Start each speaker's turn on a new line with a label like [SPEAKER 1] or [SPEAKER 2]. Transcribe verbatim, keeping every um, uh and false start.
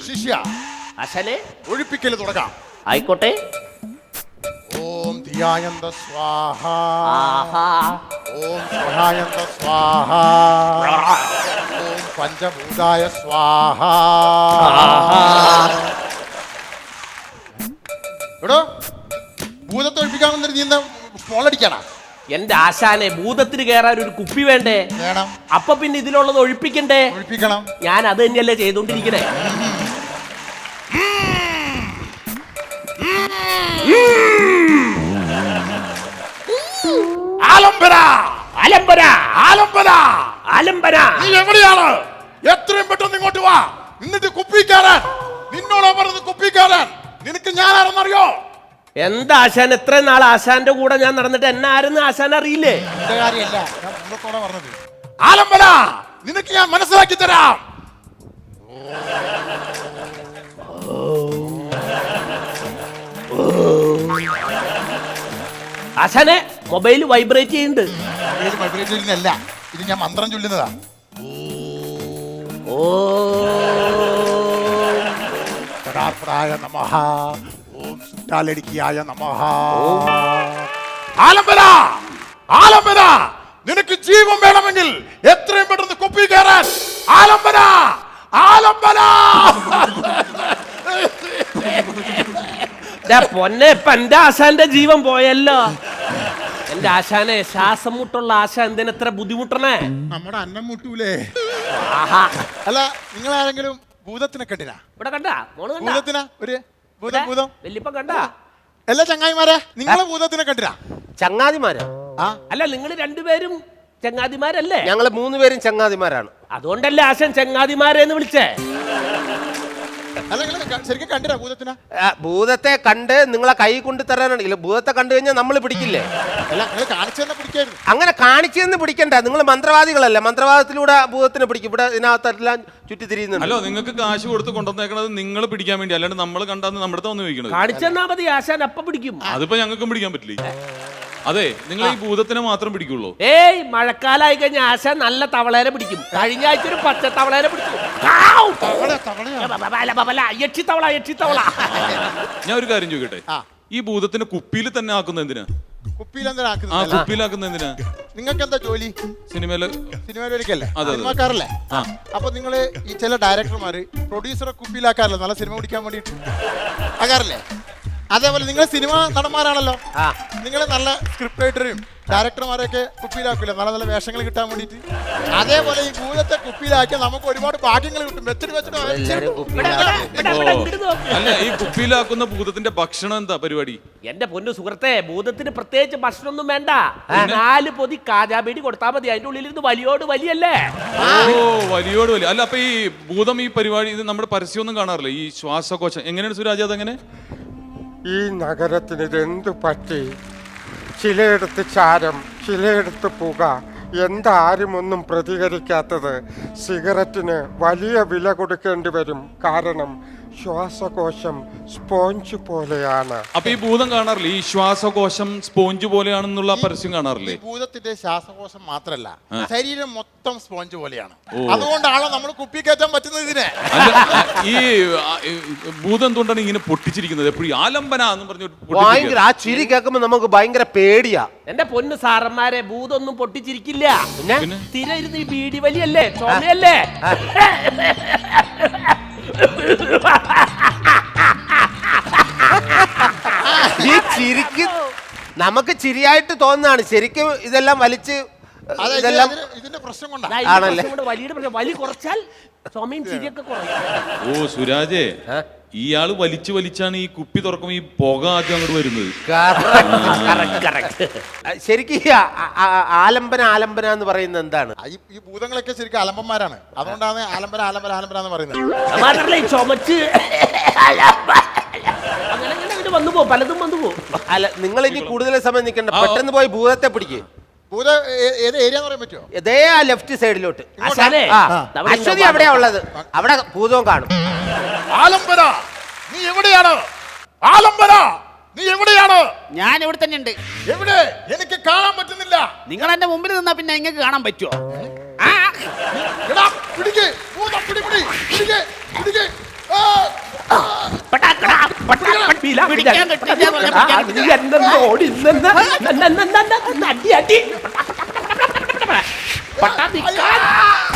[SPEAKER 1] ശിഷ്യ
[SPEAKER 2] ആശാനെ
[SPEAKER 1] ഒഴിപ്പിക്കൽ തുടങ്ങാം.
[SPEAKER 2] ആയിക്കോട്ടെ.
[SPEAKER 1] ഓം ധിയായന്ത സ്വാഹ.
[SPEAKER 2] ആഹാ.
[SPEAKER 1] ഓം സ്വഹായന്ത സ്വാഹ. ഓം പഞ്ചഭൂതായ സ്വാഹ. എടോ ഭൂതത്തെ ഒഴിപ്പിക്കാൻ വന്നിട്ട് നീ എന്താ സ്മോളടിക്കാനാ?
[SPEAKER 2] എന്റെ ആശാനെ, ഭൂതത്തിന് കയറാൻ ഒരു കുപ്പി വേണ്ടേ?
[SPEAKER 1] വേണം.
[SPEAKER 2] അപ്പൊ പിന്നെ ഇതിലുള്ളത് ഒഴിപ്പിക്കണ്ടേ?
[SPEAKER 1] ഒഴിപ്പിക്കണം.
[SPEAKER 2] ഞാൻ അത് തന്നെയല്ലേ ചെയ്തോണ്ടിരിക്കണേ.
[SPEAKER 1] ആലംബന
[SPEAKER 2] ആലംബന
[SPEAKER 1] ആലംബന
[SPEAKER 2] ആലംബന.
[SPEAKER 1] നീ എവിടെയാണ്? എത്രയും പെട്ടെന്ന് ഇങ്ങോട്ട് വാ. എന്നിട്ട് കുപ്പിക്കാരൻ നിന്നോടോ പറഞ്ഞത് കുപ്പിക്കാരൻ. നിനക്ക് ഞാൻ ആരെന്നറിയോ?
[SPEAKER 2] എന്താ ആശാൻ, എത്ര നാൾ ആശാന്റെ കൂടെ ഞാൻ നടന്നിട്ട് എന്നെ ആരെന്ന് ആശാൻ അറിയില്ലേ?
[SPEAKER 1] എന്റെ കാര്യമല്ല, ഞാൻ മുമ്പത്തോടെ പറഞ്ഞത്. ആലംബന നിനക്ക് ഞാൻ മനസ്സിലാക്കി തരാം.
[SPEAKER 2] ആശാനെ, മൊബൈൽ വൈബ്രേറ്റ് ചെയ്യുന്നുണ്ട്.
[SPEAKER 1] വൈബ്രേറ്റ് ചെയ്യുന്നതല്ല, ഇത് ഞാൻ മന്ത്രം ചൊല്ലുന്നതാ.
[SPEAKER 2] ഓ
[SPEAKER 1] പ്രായ നമഃ. ഓം സുട്ടാലടിക്കായ നമഃ. ആലംബന ആലംബന നിനക്ക് ജീവൻ വേണമെങ്കിൽ എത്രയും പെട്ടെന്ന് കുപ്പി കയറാൻ. ആലംബന ആലംബന.
[SPEAKER 2] പൊന്നെ, ഇപ്പൊ എന്റെ ആശാന്റെ ജീവൻ പോയല്ലോ. എന്റെ ആശാനെ, ശ്വാസം മുട്ടുള്ള ആശാൻ എന്തിനെത്ര ബുദ്ധിമുട്ടണേ?
[SPEAKER 1] നമ്മുടെ അന്നം മുട്ടൂലേ?
[SPEAKER 2] ആഹാ.
[SPEAKER 1] അല്ല, നിങ്ങൾ ആരെങ്കിലും ഭൂതത്തിനെ കണ്ടിനാ?
[SPEAKER 2] ഇവിടെ കണ്ടാ മോള് കണ്ടാ?
[SPEAKER 1] ഭൂതത്തിനാ ഒരു ഭൂതം ഭൂതം
[SPEAKER 2] വല്യപ്പ കണ്ടാ?
[SPEAKER 1] എല്ലാ ചങ്ങായിമാരെ നിങ്ങളെ ഭൂതത്തിനെ കണ്ടിനാ?
[SPEAKER 3] ചങ്ങാതിമാരാ?
[SPEAKER 1] ആ
[SPEAKER 2] അല്ല, നിങ്ങൾ രണ്ടുപേരും ചങ്ങാതിമാരല്ലേ?
[SPEAKER 3] ഞങ്ങള് മൂന്നുപേരും ചങ്ങാതിമാരാണ്.
[SPEAKER 2] അതുകൊണ്ടല്ലേ ആശാൻ ചങ്ങാതിമാരെന്ന് വിളിച്ചേ?
[SPEAKER 1] അല്ല, നിങ്ങൾ ശരിക്കും കണ്ടിനാ ഭൂതത്തിനാ?
[SPEAKER 3] ആ, ഭൂതത്തെ കണ്ട് നിങ്ങളെ കൈ കൊണ്ട് തരാനാണ്. ഇല്ല, ഭൂതത്തെ കണ്ടു കഴിഞ്ഞാൽ നമ്മൾ പിടിക്കില്ലേ?
[SPEAKER 1] അല്ല, നിങ്ങൾ കാണിച്ചു തന്നെ പിടിക്കായിരുന്നു.
[SPEAKER 3] അങ്ങനെ കാണിച്ചെന്ന് പിടിക്കണ്ട. നിങ്ങൾ മന്ത്രവാദികളല്ലേ, മന്ത്രവാദത്തിലൂടെ ഭൂതത്തിനെ പിടിക്കും. ഇവിടെ ഇതിനകത്തെല്ലാം ചുറ്റി തിരിയുന്നുണ്ട്.
[SPEAKER 4] ഹലോ, നിങ്ങൾക്ക് കാശ് കൊടുത്ത് കൊണ്ടുവന്നേക്കണത് നിങ്ങൾ പിടിക്കാൻ വേണ്ടി, അല്ലാണ്ട് നമ്മൾ കണ്ടാന്ന് നമ്മുടെ അടുത്ത് വന്ന് ചോദിക്കണത്.
[SPEAKER 2] കാണിച്ചെന്നാ മതി, ആശാൻ അപ്പ പിടിക്കും.
[SPEAKER 4] അതിപ്പോ ഞങ്ങൾക്കും പിടിക്കാൻ പറ്റില്ല. അതെ, നിങ്ങൾ ഈ ഭൂതത്തിനെ മാത്രം പിടിക്കുള്ളൂ.
[SPEAKER 2] ഏയ്, മഴക്കാലായി കഴിഞ്ഞ ആശാൻ നല്ല തവളേനെ പിടിക്കും. കഴിഞ്ഞ ആഴ്ച ഒരു പച്ച തവളേനെ പിടിച്ചു. യക്ഷി തവള യക്ഷി തവള.
[SPEAKER 4] ഞാൻ ഒരു കാര്യം ചോദിക്കട്ടെ, ഈ ഭൂതത്തിനെ കുപ്പിയിൽ തന്നെ ആക്കുന്ന എന്തിനാ?
[SPEAKER 1] കുപ്പിയിൽ എന്താ
[SPEAKER 4] ആ
[SPEAKER 1] ആക്കുന്നത്?
[SPEAKER 4] കുപ്പിയിലാക്കുന്ന എന്തിനാ?
[SPEAKER 1] നിങ്ങൾക്ക് എന്താ ജോലി?
[SPEAKER 4] സിനിമയില്
[SPEAKER 1] സിനിമയിലൊരിക്കല്ലേ,
[SPEAKER 4] അതെ, അതെ.
[SPEAKER 1] സിനിമാക്കാരല്ലേ?
[SPEAKER 4] ആ.
[SPEAKER 1] അപ്പൊ നിങ്ങള് ഈ ചില ഡയറക്ടർമാര് പ്രൊഡ്യൂസറെ കുപ്പിയിലാക്കാറല്ലോ, നല്ല സിനിമ പിടിക്കാൻ വേണ്ടിട്ട് ആകാറില്ലേ? അതേപോലെ നിങ്ങൾ സിനിമ നടന്മാരാണല്ലോ, നിങ്ങൾ നല്ല സ്ക്രിപ്റ്റ് റൈറ്ററും ഡയറക്ടർമാരെയൊക്കെ കുപ്പിയിലാക്കില്ല, നല്ല നല്ല വേഷങ്ങൾ കിട്ടാൻ വേണ്ടിട്ട്. അതേപോലെ ഈ ഭൂതത്തെ കുപ്പിയിലാക്കിയാൽ നമുക്ക് ഒരുപാട് ഭാഗ്യങ്ങൾ കിട്ടും. വെച്ചിട്ട് വെച്ചിട്ട്
[SPEAKER 4] അല്ല, ഈ കുപ്പിയിലാക്കുന്ന ഭൂതത്തിന്റെ ഭക്ഷണം എന്താ പരിപാടി?
[SPEAKER 2] എന്റെ പൊന്നു സുഹൃത്തെ, ഭൂതത്തിന് പ്രത്യേകിച്ച് ഭക്ഷണമൊന്നും വേണ്ട. നാല് പൊതി കാജാബേടി കൊടുത്താൽ മതി. അതിന്റെ ഉള്ളിലിരുന്ന് വലിയോട് വലിയല്ലേ?
[SPEAKER 4] ഓ, വലിയോട് വലിയ. അല്ല, അപ്പൊ ഈ ഭൂതം ഈ പരിപാടി ഇത് നമ്മുടെ പരസ്യമൊന്നും കാണാറില്ല? ഈ ശ്വാസകോശം എങ്ങനെയാണ് സുരാജ്? അതെങ്ങനെ?
[SPEAKER 5] ഈ നഗരത്തിന് ഇതെന്തു പറ്റി? ചിലയിടത്ത് ചാരം, ചിലയിടത്ത് പുക. എന്താരും ഒന്നും പ്രതികരിക്കാത്തത്? സിഗരറ്റിന് വലിയ വില കൊടുക്കേണ്ടി വരും. കാരണം ശ്വാസകോശം സ്പോഞ്ച് പോലെയാണ്.
[SPEAKER 4] അപ്പൊ ഈ ഭൂതം കാണാറില്ലേ? ഈ ശ്വാസകോശം സ്പോഞ്ച് പോലെയാണെന്നുള്ള പരസ്യം കാണാറില്ലേ?
[SPEAKER 1] ഭൂതത്തിന്റെ ശ്വാസകോശം മാത്രല്ല, ശരീരം മൊത്തം സ്പോഞ്ച് പോലെയാണ്. അതുകൊണ്ടാണോ നമ്മൾ കുപ്പി കയറ്റാൻ പറ്റുന്നത് ഇതിനെ?
[SPEAKER 4] ഈ ഭൂതം എന്തുകൊണ്ടാണ് ഇങ്ങനെ പൊട്ടിച്ചിരിക്കുന്നത്? എപ്പോഴും ആലംബന എന്ന് പറഞ്ഞു
[SPEAKER 3] ഭയങ്കര ആ ചിരി കേൾക്കുമ്പോ നമുക്ക് ഭയങ്കര പേടിയാ.
[SPEAKER 2] എന്റെ പൊന്നു സാറന്മാരെ, ഭൂതൊന്നും പൊട്ടിച്ചിരിക്കില്ല.
[SPEAKER 3] പിന്നെ
[SPEAKER 2] സ്ഥിരം ഇരുന്ന് ഈ ബീഡി വലിയല്ലേ, ചുമയല്ലേ?
[SPEAKER 3] ഈ ചിരിക്ക് നമുക്ക് ചിരിയായിട്ട് തോന്നുന്നതാണ്. ശരിക്കും ഇതെല്ലാം വലിച്ച് ഇതെല്ലാം
[SPEAKER 1] ഇതിന്റെ പ്രശ്നം കൊണ്ടാ.
[SPEAKER 3] ആണല്ലേ?
[SPEAKER 2] വലിയ പ്രശ്നം, വലി കുറച്ചാൽ ചുമയും ചിരിയൊക്കെ കുറയും.
[SPEAKER 4] ഓ സുരാജേ, ഇയാള് വലിച്ചു വലിച്ചാണ് ഈ കുപ്പി തുറക്കുമ്പോ ഈ പുക ആദ്യം അങ്ങോട്ട് വരുന്നത്.
[SPEAKER 3] ശരിക്കും ഈ ആലംബന ആലംബന എന്ന് പറയുന്നത് എന്താണ്?
[SPEAKER 1] ഈ ഭൂതങ്ങളൊക്കെ ശരിക്കും അലമ്പന്മാരാണ്. അതുകൊണ്ടാണ് ആലംബന ആലംബന ആലംബന എന്ന് പറയുന്നത്.
[SPEAKER 2] മാത്രമല്ല, ഈ ചുമച്ച് അങ്ങനെ അങ്ങനെ വന്നു പോകും, പലതും വന്നു പോകും.
[SPEAKER 3] അല്ല, നിങ്ങൾ ഇനി കൂടുതൽ സമയം നിൽക്കണ്ട, പെട്ടെന്ന് പോയി ഭൂതത്തെ പിടിക്കുക.
[SPEAKER 1] ഭൂത ഏത് ഏരിയ എന്ന് പറയാൻ പറ്റുമോ?
[SPEAKER 3] ഇതേ ആ ലെഫ്റ്റ് സൈഡിലോട്ട്. അശ്വതി അവിടെയാ ഉള്ളത്, അവിടെ ഭൂതവും കാണും.
[SPEAKER 1] ആലംബന നീ എവിടെയാണ്? ആലംബന നീ എവിടെയാണ്?
[SPEAKER 6] ഞാൻ ഇവിടെ തന്നെ ഉണ്ട്.
[SPEAKER 1] എവിടെ? എനിക്ക് കാണാൻ പറ്റുന്നില്ല.
[SPEAKER 6] നിങ്ങൾ എന്റെ മുമ്പിൽ നിന്നാ പിന്നെ നിങ്ങൾക്ക് കാണാൻ പറ്റുമോ?
[SPEAKER 1] എടാ, പിടിക്ക്, ഭൂതം പിടി, പിടി, പിടിക്ക്, പിടിക്ക്. ആ
[SPEAKER 2] കുപ്പിയിലാ
[SPEAKER 6] പിടിക്കാൻ കിട്ടില്ല എന്ന് പറഞ്ഞാ
[SPEAKER 2] ആ, നീ എന്നെ ഓടി നിന്ന് ന- ന- ന- ന- ന- അടി അടി പട്ടാ നിക്കാൻ